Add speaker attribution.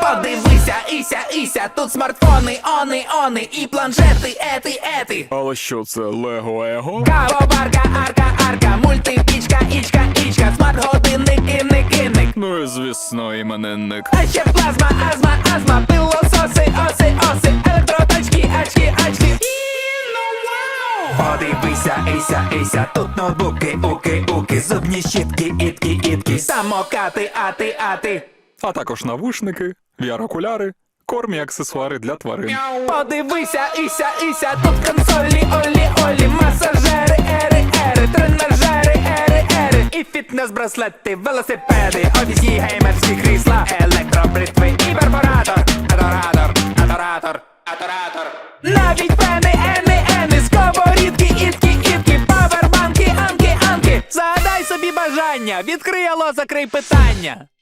Speaker 1: Подивися, Іся, тут смартфони, они, і планшети, ети.
Speaker 2: Але що це, Лего Его?
Speaker 1: Кавоварка, арка, мультипічка, ічка, смарт-годинник, інник.
Speaker 2: Ну і звісно, іменинник.
Speaker 1: А ще плазма, астма, пилососи, оси, електроточки, очки. Подивися, Іся, тут ноутбуки, уки, зубні щітки, ітки, самокати, ати.
Speaker 2: А також навушники, VR-окуляри, корм і аксесуари для тварин.
Speaker 1: Подивися, Іся, тут консолі, олі, масажери, ери, тренажери, ери, і фітнес-браслети, велосипеди, офісні геймерські крісла, електробритви і перфоратор, адоратор. Навіть пени, ени, сковорідки, ітки, павербанки, анки. Загадай собі бажання, відкрий алло, закрий питання.